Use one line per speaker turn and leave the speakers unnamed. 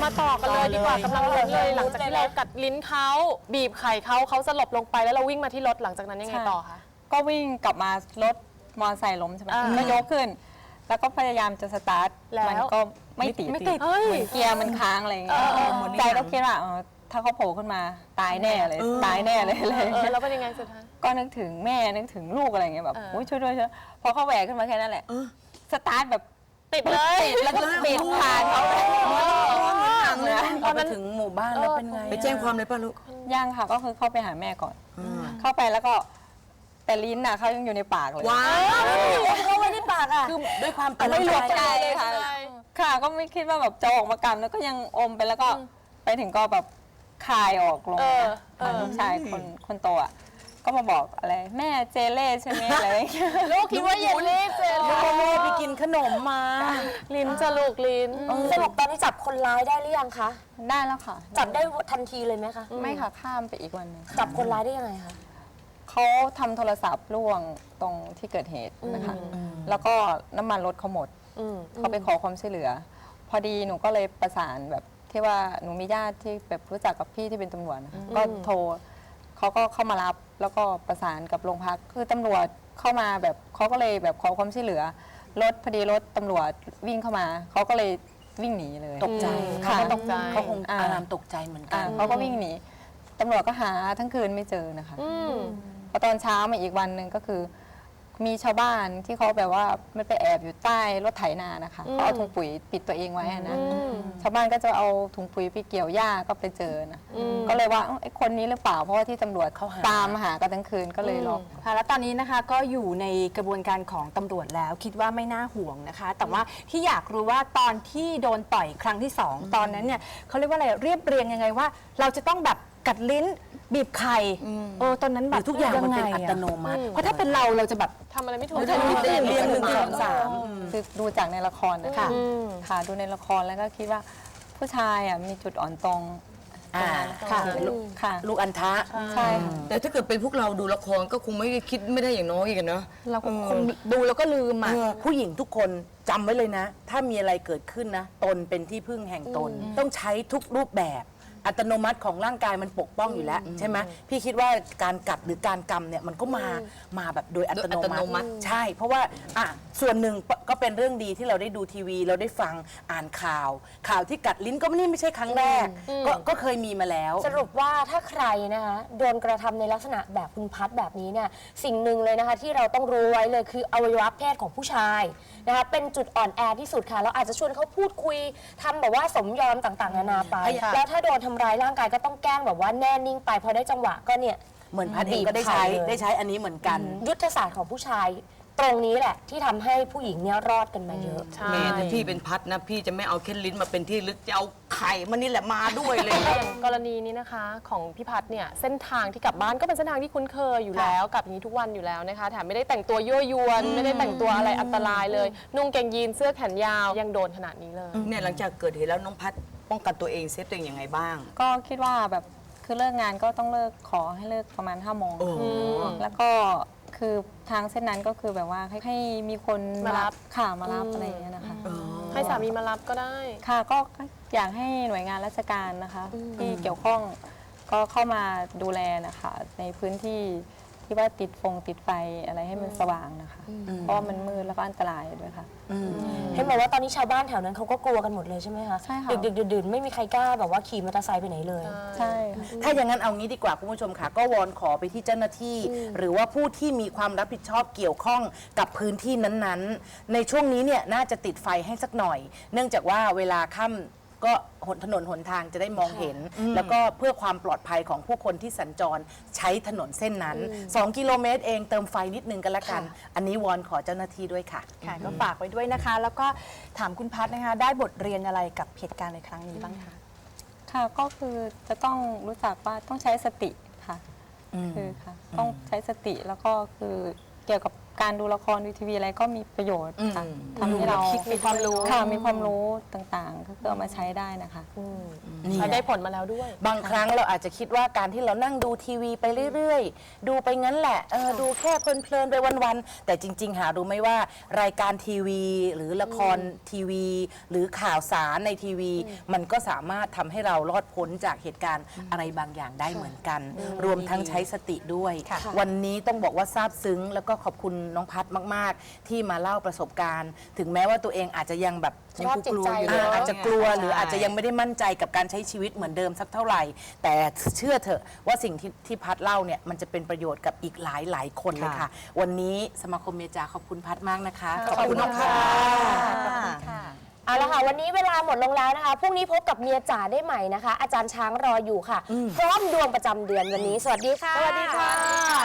มาต่อกันเลยดีกว่ากำลังลุ้นเลยหลังจากที่เรากัดลิ้นเขาบีบไข่เขาสลบลงไปแล้วเราวิ่งมาที่รถหลังจากนั้นยังไงต่อคะ
ก็วิ่งกลับมารถมอเตอร์ไซค์ล้มใช่ไหมก็ยกขึ้น แล้วก็พยายามจะสตาร์ทมันก็ไม่ติดเหมือนเกียร์มันค้างอะไรอย่างเงี้ยใจก็คิดว่าถ้าเขาโผล่ขึ้นมาตายแน่เลยตายแน่เลย
แล้วเป็นยังไงสุดท้าย
ก็นึกถึงแม่นึกถึงลูกอะไรอย่างเงี้ยแบบช่วยด้วยช่วยพอเขาแหวกขึ้นมาแค่นั้นแหละสตาร์ทแบบ
ติดเลย
แล้วก็ปิดผ่านเขา
พอมาถึงหมู่บ้านแล้วเป็นไงไปแจ้งความเลยป่ะลูก
ยังค่ะก็คือเข้าไปหาแม่ก่อนเข้าไปแล้วก็แต่ลิ้นน่ะเขายังอยู่ในปากเลย
ว้าวเขาไว้ในปากอ่ะคือด้วยความ
ไม่รู้ใจค่ะค่ะก็ไม่คิดว่าแบบจะออกมากำแล้วก็ยังอมไปแล้วก็ไปถึงก็แบบคายออกลงลูกชายคนโตอ่ะก็มาบอกอะไรแม่เจเล่ใช่ไหมอะไร
ลูกคิดว่าเยลลี่เจเล่
ไปกินขนมมา
ลิ้นจะลูกลิ้น
สรุปตอนนี้จับคนร้ายได้หรือยังคะ
ได้แล้วค่ะ
จับได้ทันทีเลยไหมคะ
ไม่ค่ะข้ามไปอีกวันนึง
จับคนร้ายได้ยังไงคะ
เขาทำโทรศัพท์ล่วงตรงที่เกิดเหตุนะคะแล้วก็น้ำมันรถเขาหมดเขาไปขอความช่วยเหลือพอดีหนูก็เลยประสานแบบที่ว่าหนูมีญาติที่แบบรู้จักกับพี่ที่เป็นตำรวจนะคะก็โทรเขาก็เข้ามารับแล้วก็ประสานกับโรงพักคือตำรวจเข้ามาแบบเขาก็เลยแบบขอความช่วยเหลือรถพอดีรถตำรวจวิ่งเข้ามาเขาก็เลยวิ่งหนีเลย
ตกใจ
ค่ะ
ตกใจเขาคงอารามตกใจเหมือนกัน
เขาก็วิ่งหนีตำรวจก็หาทั้งคืนไม่เจอนะคะพอตอนเช้ามาอีกวันหนึ่งก็คือมีชาวบ้านที่เขาแบบว่ามันไปแอบอยู่ใต้รถไถนานะคะเขาเอาถุงปุ๋ยปิดตัวเองไว้นะชาวบ้านก็จะเอาถุงปุ๋ยไปเกี่ยวหญ้าก็ไปเจอนะก็เลยว่าไอ้คนนี้หรือเปล่าเพราะว่าที่ตำรวจเขาตามหากันทั้งคืนก็เลยล็อก
ค่ะแล้วตอนนี้นะคะก็อยู่ในกระบวนการของตำรวจแล้วคิดว่าไม่น่าห่วงนะคะแต่ว่าที่อยากรู้ว่าตอนที่โดนต่อยครั้งที่2ตอนนั้นเนี่ยเขาเรียกว่าอะไรเรียบเรียงยังไงว่าเราจะต้องแบบกัดลิ้นบีบไข่ตอนนั้นแบบ
ทุกอย่างมันเป็นอัตโนมัติ
เพราะถ้าเป็นเราจะแบบ
ทำอะไรไม่ถูก
เรียง1 2
3คือดูจากในละครนะคะค่ะดูในละครแล้วก็คิดว่าผู้ชายมีจุดอ่อนตรง
ค่ะลูกอันทะ
ใช่
แต่ถ้าเกิดเป็นพวกเราดูละครก็คงไม่คิดไม่ได้อย่างน้อยกันเนาะ
เราคงดูแล้วก็ลืม
ผู้หญิงทุกคนจำไว้เลยนะถ้ามีอะไรเกิดขึ้นนะตนเป็นที่พึ่งแห่งตนต้องใช้ทุกรูปแบบอัตโนมัติของร่างกายมันปกป้องอยู่แล้วใช่ไหมพี่คิดว่าการกัดหรือการกำเนี่ยมันก็มาแบบโดยอัตโนมัติใช่เพราะว่าส่วนหนึ่งก็เป็นเรื่องดีที่เราได้ดูทีวีเราได้ฟังอ่านข่าวที่กัดลิ้นก็ไม่ใช่ครั้งแรกก็เคยมีมาแล้ว
สรุปว่าถ้าใครนะคะโดนกระทำในลักษณะแบบคุณพัดแบบนี้เนี่ยสิ่งหนึ่งเลยนะคะที่เราต้องรู้ไว้เลยคืออวัยวะเพศของผู้ชายนะคะเป็นจุดอ่อนแอที่สุดค่ะเราอาจจะชวนเขาพูดคุยทำแบบว่าสมยอมต่างๆนานาไปแล้วถ้าโดนทำร้ายร่างกายก็ต้องแกล้งแบบว่าแน่นิ่งไปพอได้จังหวะก็เนี่ย
เหมือนพัดเองก็ได้ใช้อันนี้เหมือนกัน
ยุทธศาสตร์ของผู้ชายตรงนี้แหละที่ทำให้ผู้หญิงเนี่ยรอดกันมาเยอะ
แม่ถ้าพี่เป็นพัดนะพี่จะไม่เอาแค่ลิ้นมาเป็นที่ลึกจะเอาไข่มันนี่แหละมาด้วยเลย
อย่างกรณีนี้นะคะของพี่พัดเนี่ยเส้นทางที่กลับบ้านก็เป็นเส้นทางที่คุ้นเคยอยู่แล้วกับนี้ทุกวันอยู่แล้วนะคะแถมไม่ได้แต่งตัวยั่วยวนไม่ได้แต่งตัวอะไรอันตรายเลยนุ่งกางยีนเสื้อแขนยาวยังโดนขนาดนี้เลย
เนี่ยหลังจากเกิดเหตุแล้วน้องพัดป้องกันตัวเองเซฟตัวเองยังไงบ้าง
ก็คิดว่าแบบคือเลิกงานก็ต้องเลิกขอให้เลิกประมาณ5 โมงแล้วก็คือทางเส้นนั้นก็คือแบบว่าให้มีคน
มารับ
ค่ะมารับอะไรอย่างเงี้ยนะคะ
ให้สามีมารับก็ได้
ค่ะก็อยากให้หน่วยงานราชการนะคะที่เกี่ยวข้องก็เข้ามาดูแลนะคะในพื้นที่ที่ว่าติดไฟอะไรให้มันสว่างนะคะเพราะว่ามันมืดแล้วก็อันตรายด้วยค่ะ
เห็นบอกว่าตอนนี้ชาวบ้านแถวนั้นเขาก็กลัวกันหมดเลยใช่ไหมคะ
ใช่ค่ะ
ดึกดื่นไม่มีใครกล้าแบบว่าขี่มอเตอร์ไซค์ไปไหนเลย
ใช่
ถ้าอย่างนั้นเอางี้ดีกว่าคุณผู้ชมค่ะก็วอนขอไปที่เจ้าหน้าที่หรือว่าผู้ที่มีความรับผิดชอบเกี่ยวข้องกับพื้นที่นั้นๆในช่วงนี้เนี่ยน่าจะติดไฟให้สักหน่อยเนื่องจากว่าเวลาค่ำก็ถนนหนทางจะได้มองเห็นแล้วก็เพื่อความปลอดภัยของผู้คนที่สัญจรใช้ถนนเส้นนั้น2 กิโลเมตรเองเติมไฟนิดนึงกันละกันอันนี้วอนขอเจ้าหน้าที่ด้วยค่ะ
ค่ะก็ฝากไว้ด้วยนะคะแล้วก็ถามคุณพัฒนะคะได้บทเรียนอะไรกับเหตุการณ์ในครั้งนี้บ้างคะ
ค่ะก็คือจะต้องรู้จักว่าต้องใช้สติค่ะคือค่ะต้องใช้สติแล้วก็คือเกี่ยวกับการดูละครดูทีวีอะไรก็มีประโยชน์ค่ะ
อืม
ทำให้เรา
มีความรู้
ค่ะมีความรู้ต่างๆ ก็คือเอามาใช้ได้นะคะ
นี่
ใช้
แห
ได้
ละ
ผลมาแล้วด้วย
บางครั้งเราอาจจะคิดว่าการที่เรานั่งดูทีวีไปเรื่อยๆ ดูไปงั้นแหละดูแค่เพลินๆไปวันๆแต่จริง ๆ หารู้ไหมว่ารายการทีวีหรือละครทีวี หรือข่าวสารในทีวี มันก็สามารถทำให้เรารอดพ้นจากเหตุการณ์อะไรบางอย่างได้เหมือนกัน รวมทั้งใช้สติด้วย วันนี้ต้องบอกว่าซาบซึ้ง แล้วก็ขอบคุณน้องพัดมากๆ ที่มาเล่าประสบการณ์ ถึงแม้ว่าตัวเองอาจจะยังแบบ
สภาพจิตใจเนอะ
อาจจะกลัว
ใช่
หรืออาจจะยังไม่ได้มั่นใจกับการใช้ชีวิตเหมือนเดิมสักเท่าไหร่ แต่เชื่อเถอะว่าสิ่งที่พัดเล่าเนี่ยมันจะเป็นประโยชน์กับอีกหลายคนเลยค่ะ วันนี้สมาคมเมียจ๋าขอบคุณพัดมากนะคะ ขอบคุณค่ะ
เอาละค่ะวันนี้เวลาหมดลงแล้วนะคะพรุ่งนี้พบกับเมียจ๋าได้ใหม่นะคะ อาจารย์ช้างรออยู่ค่ะ พร้อมดวงประจำเดือนวันนี้ สวัสดีค่ะ
สวัสดีค่ะ